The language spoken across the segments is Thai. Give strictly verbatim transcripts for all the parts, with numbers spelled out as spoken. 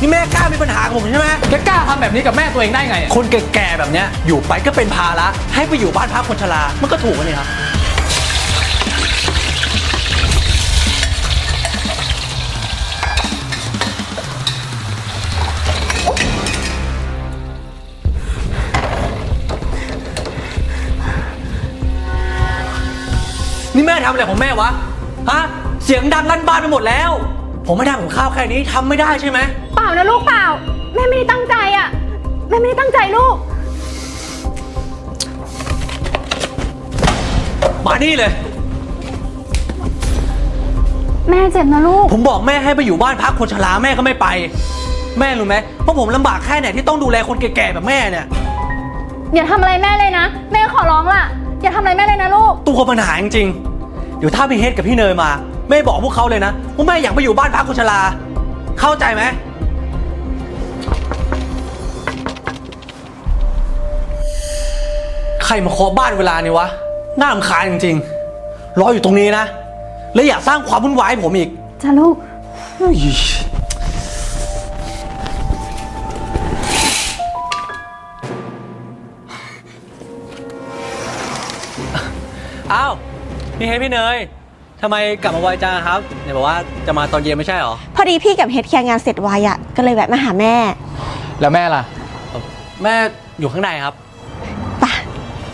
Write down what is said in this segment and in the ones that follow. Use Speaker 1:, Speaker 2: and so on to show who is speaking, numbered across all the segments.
Speaker 1: นี่แม่กล้ามีปัญหากับผมใช่ไหม
Speaker 2: แกกล้าทำแบบนี้กับแม่ตัวเองได้ไง
Speaker 1: คนแก่ๆแบบเนี้ยอยู่ไปก็เป็นภาระให้ไปอยู่บ้านพักคนชรามันก็ถูกกันนี่ครับนี่แม่ทำอะไรของแม่วะฮะเสียงดังลั่นบ้านไปหมดแล้วผมไม่ทำกับข้าวแค่นี้ทำไม่ได้ใช่ไหม
Speaker 3: เปล่านะลูกเปล่าแม่ไม่ได้ตั้งใจอ่ะแม่ไม่ได้ตั้งใจลูก
Speaker 1: มานี่เลย
Speaker 3: แม่เจ็บนะลูก
Speaker 1: ผมบอกแม่ให้ไปอยู่บ้านพักคนชราแม่ก็ไม่ไปแม่รู้ไหมเพราะผมลำบากแค่ไหนที่ต้องดูแลคนแก่ๆแบบแม่เนี่ย
Speaker 3: อย่าทำอะไรแม่เลยนะแม่ขอร้องล่ะอย่าทำอะไรแม่เลยนะลูก
Speaker 1: ตัวปัญหาจริงๆเดี๋ยวถ้าพี่เฮดกับพี่เนยมาแม่บอกพวกเขาเลยนะว่าแม่อยากไปอยู่บ้านพักคนชราเข้าใจไหมใครมาเคาะบ้านเวลานี้วะน่ารำคาญจริงๆรออยู่ตรงนี้นะและอย่าสร้างความวุ่นวายให้ผมอีก
Speaker 3: จ้าลูก
Speaker 1: อ้าวพี่เฮดพี่เนยทำไมกลับมาไวจังครับเดี๋ยวบอกว่าจะมาตอนเย็นไม่ใช่หรอ
Speaker 4: พอดีพี่กับเฮดเคลียร์งานเสร็จไวอ่ะก็เลยแวะมาหาแม่
Speaker 2: แล้วแม่ล่ะ
Speaker 1: แม่อยู่ข้างในครับ
Speaker 4: ป่ะ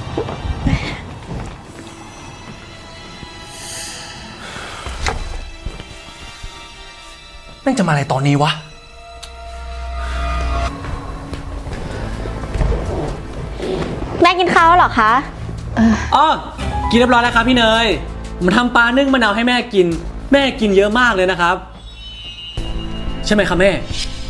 Speaker 1: แม่งจะมาอะไรตอนนี้วะ
Speaker 4: แม่กินข้าวแล้วเหรอคะ
Speaker 1: อ๋อกินเรียบร้อยแล้วครับพี่เนยมันทำปลานึ่งมะนาวให้แม่กินแม่กินเยอะมากเลยนะครับใช่ไหมครับแม่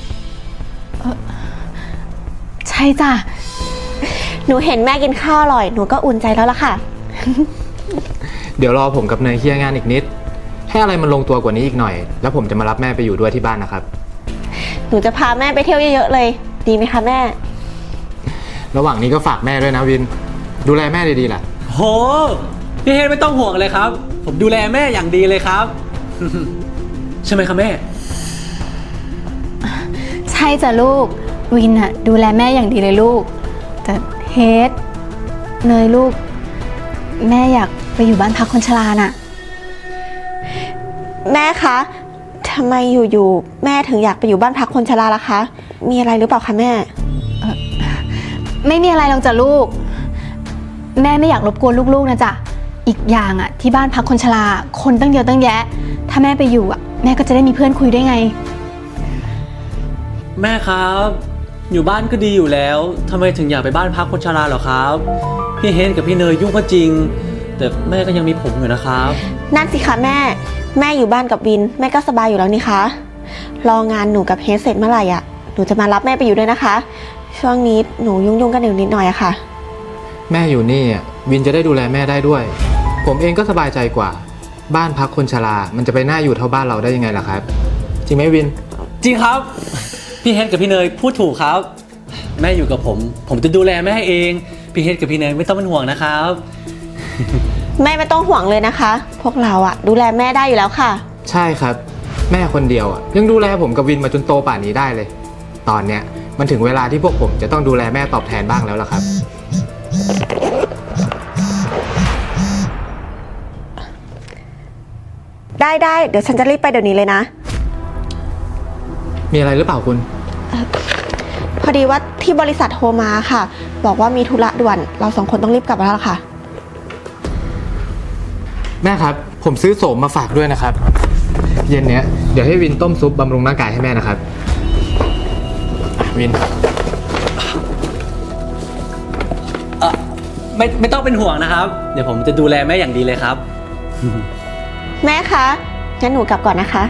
Speaker 3: ใช่จ้ะ
Speaker 4: หนูเห็นแม่กินข้าวอร่อยหนูก็อุ่นใจแล้วล่ะค่ะ
Speaker 2: เดี๋ยวรอผมกับเนยเคลียร์งานอีกนิดให้อะไรมันลงตัวกว่านี้อีกหน่อยแล้วผมจะมารับแม่ไปอยู่ด้วยที่บ้านนะครับ
Speaker 4: หนูจะพาแม่ไปเที่ยวเยอะๆเลยดีไหมคะแม่
Speaker 2: ระหว่างนี้ก็ฝากแม่ด้วยนะวินดูแลแม่ดีๆล่ะ
Speaker 1: โหพี่เฮดไม่ต้องห่วงเลยครับผมดูแลแม่อย่างดีเลยครับ ใช่ไหมครับแม่
Speaker 3: ใช่จ้ะลูกวินอะดูแลแม่อย่างดีเลยลูกแต่เฮดเนยลูกแม่อยากไปอยู่บ้านพักคนชราน่ะ
Speaker 4: แม่คะทำไมอยู่ๆแม่ถึงอยากไปอยู่บ้านพักคนชราล่ะคะมีอะไรหรือเปล่าคะแม่
Speaker 3: ไม่มีอะไรหรอกจ้ะลูกแม่ไม่อยากรบกวนลูกๆนะจ๊ะอีกอย่างอ่ะที่บ้านพักคนชราคนตั้งเยอะตั้งแยะถ้าแม่ไปอยู่อ่ะแม่ก็จะได้มีเพื่อนคุยด้วยไง
Speaker 1: แม่ครับอยู่บ้านก็ดีอยู่แล้วทำไมถึงอยากไปบ้านพักคนชราเหรอครับพี่เฮดกับพี่เนยยุ่งก็จริงแต่แม่ก็ยังมีผมอยู่นะครับ
Speaker 4: นั่นสิคะแม่แม่อยู่บ้านกับวินแม่ก็สบายอยู่แล้วนี่คะรองานหนูกับเฮดเสร็จเมื่อไหร่อ่ะหนูจะมารับแม่ไปอยู่ด้วยนะคะช่วงนี้หนูยุ่งๆกันอยู่นิดหน่อยอะค่ะ
Speaker 2: แม่อยู่นี่วินจะได้ดูแลแม่ได้ด้วยผมเองก็สบายใจกว่าบ้านพักคนชรามันจะไปน่าอยู่เท่าบ้านเราได้ยังไงล่ะครับจริงไหมวิน
Speaker 1: จริงครับพี่เฮดกับพี่เนยพูดถูกครับแม่อยู่กับผมผมจะดูแลแม่เองพี่เฮดกับพี่เนยไม่ต้องเป็นห่วงนะครับ
Speaker 4: แม่ไม่ต้องห่วงเลยนะคะพวกเราอะดูแลแม่ได้อยู่แล้วค่ะ
Speaker 2: ใช่ครับแม่คนเดียวอะยังดูแลผมกับวินมาจนโตป่านนี้ได้เลยตอนเนี้ยมันถึงเวลาที่พวกผมจะต้องดูแลแม่ตอบแทนบ้างแล้วล่ะครับ
Speaker 4: ได้ได้เดี๋ยวฉันจะรีบไปเดี๋ยวนี้เลยนะ
Speaker 2: มีอะไรหรือเปล่าคุณ
Speaker 4: พอดีว่าที่บริษัทโทรมาค่ะบอกว่ามีธุระด่วนเราสองคนต้องรีบกลับแล้วค่ะ
Speaker 2: แม่ครับผมซื้อโสมมาฝากด้วยนะครับเย็นเนี้ยเดี๋ยวให้วินต้มซุปบำรุงร่างกายให้แม่นะครับวิน
Speaker 1: เออไม่ไม่ต้องเป็นห่วงนะครับเดี๋ยวผมจะดูแลแม่อย่างดีเลยครับ
Speaker 4: แม่คะงั้นหนูกลับก่อนนะคะ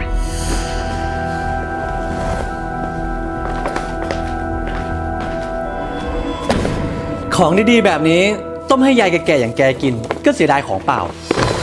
Speaker 1: ของดีๆแบบนี้ต้มให้ยายแก่ๆอย่างแกกินก็เสียดายของเปล่า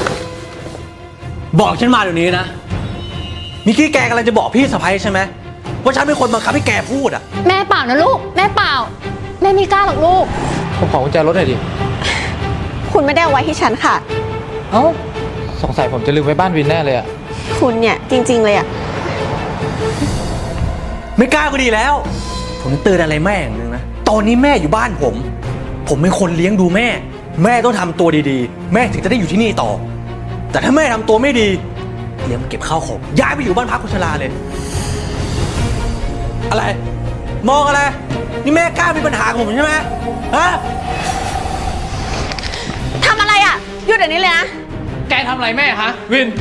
Speaker 1: บอกฉันมาเดี๋ยวนี้นะมิกี้แกกำลังจะบอกพี่สะใภ้ใช่ไหมว่าฉันเป็นคนบังคับให้แกพูดอ่ะ
Speaker 3: แม่เปล่านะลูกแม่เปล่าแม่ไม่กล้าหรอกลูก
Speaker 2: ผมขอกุญแจรถหน่อยดิ
Speaker 4: คุณไม่ได้เอาไว้ที่ฉันค่ะ
Speaker 2: เอ้าสงสัยผมจะลืมไว้บ้านวินแน่เลยอ่ะ
Speaker 4: คุณเนี่ยจริงๆเลยอ่ะ
Speaker 1: ไม่กล้าก็ดีแล้ว ผมเตือนอะไรแม่อย่างหนึงนะ ตอนนี้แม่อยู่บ้านผม ผมเป็นคนเลี้ยงดูแม่ แม่ต้องทำตัวดีๆ แม่ถึงจะได้อยู่ที่นี่ต่อ แต่ถ้าแม่ทำตัวไม่ดีเลี้ยงมาเก็บข้าวของย้ายไปอยู่บ้านพักคนชราเลย อะไร มองอะไร นี่แม่กล้ามีปัญหากับผมใช่ไหมฮะ
Speaker 4: ทำอะไรอะหยุดเดี๋ยวนี้เลยนะ
Speaker 2: แกทำอะไรแม่ฮะวิน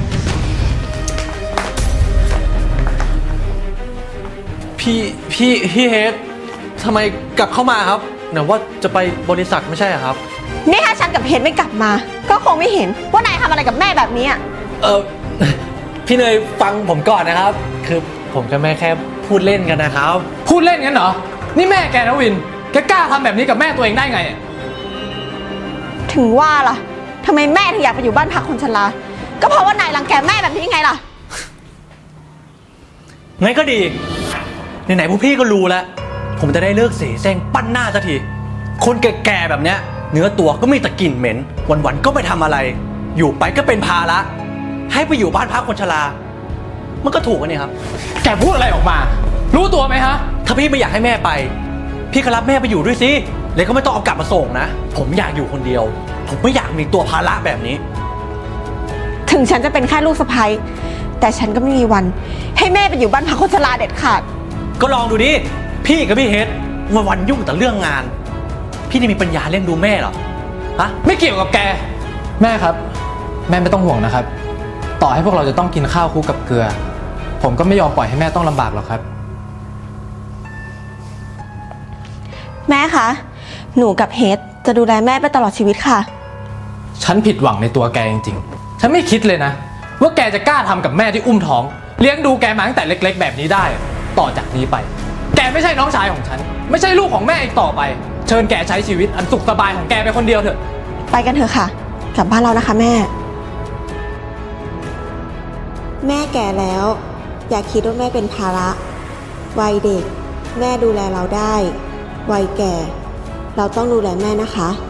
Speaker 1: พี่พี่พี่เฮดทำไมกลับเข้ามาครับไหนว่าจะไปบริษัทไม่ใช่เหรอครับ
Speaker 4: นี่ถ้าฉันกับเฮดไม่กลับมา ก็คงไม่เห็นว่านายทำอะไรกับแม่แบบนี้อะ
Speaker 1: เออ พี่เนยฟังผมก่อนนะครับ คือผมกับแม่แค่พูดเล่นกันนะครับ
Speaker 2: พูดเล่นงั้นเหรอ นี่แม่แกนะวิน แกกล้าทำแบบนี้กับแม่ตัวเองได้ไงอะ
Speaker 4: ถึงว่าล่ะทำไมแม่ถึงอยากไปอยู่บ้านพักคนชรา ก็เพราะว่านายรังแกแม่แบบนี้ไงล่ะ
Speaker 1: งั้นก็ดี ไหนๆพวกพี่ก็รู้แล้ว ผมจะได้เลิกเสแสร้งปั้นหน้าสักที คนแก่ๆแบบเนี้ย เนื้อตัวก็มีแต่กลิ่นเหม็น วันๆก็ไม่ทำอะไร อยู่ไปก็เป็นภาระ ให้ไปอยู่บ้านพักคนชรา มันก็ถูกกันนี่ครับ
Speaker 2: แกพูดอะไรออกมา รู้ตัวไหมฮะ
Speaker 1: ถ้าพี่ไม่อยากให้แม่ไป พี่ก็รับแม่ไปอยู่ด้วยสิเลยก็ไม่ต้องเอากลับมาส่งนะ ผมอยากอยู่คนเดียว ผมไม่อยากมีตัวภาระแบบนี้
Speaker 4: ถึงฉันจะเป็นแค่ลูกสะใภ้แต่ฉันก็ไม่มีวัน ให้แม่ไปอยู่บ้านพักคนชราเด็ดขาด
Speaker 1: ก็ลองดูดิ พี่กับพี่เฮดวันวันๆยุ่งแต่เรื่องงาน พี่นี่มีปัญญาเลี้ยงดูแม่เหรอ ฮะ
Speaker 2: ไม่เกี่ยวกับแก แม่ครับ แม่ไม่ต้องห่วงนะครับ ต่อให้พวกเราจะต้องกินข้าวคู่กับเกลือ ผมก็ไม่ยอมปล่อยให้แม่ต้องลำบากหรอกครับ
Speaker 4: แม่คะ หนูกับเฮดจะดูแลแม่ไปตลอดชีวิตค่ะ
Speaker 2: ฉันผิดหวังในตัวแกจริงๆ ฉันไม่คิดเลยนะ ว่าแกจะกล้าทำกับแม่ที่อุ้มท้อง เลี้ยงดูแกมาตั้งแต่เล็กๆ แบบนี้ได้ ต่อจากนี้ไป แกไม่ใช่น้องชายของฉัน ไม่ใช่ลูกของแม่อีกต่อไป เชิญแกใช้ชีวิตอันสุขสบายของแกไปคนเดียวเถอะ
Speaker 4: ไปกันเถอะค่ะ กลับบ้านเรานะคะแม่ แม่แก่แล้ว อย่าคิดว่าแม่เป็นภาระ วัยเด็ก แม่ดูแลเราได้ วัยแก่ เราต้องดูแลแม่นะคะ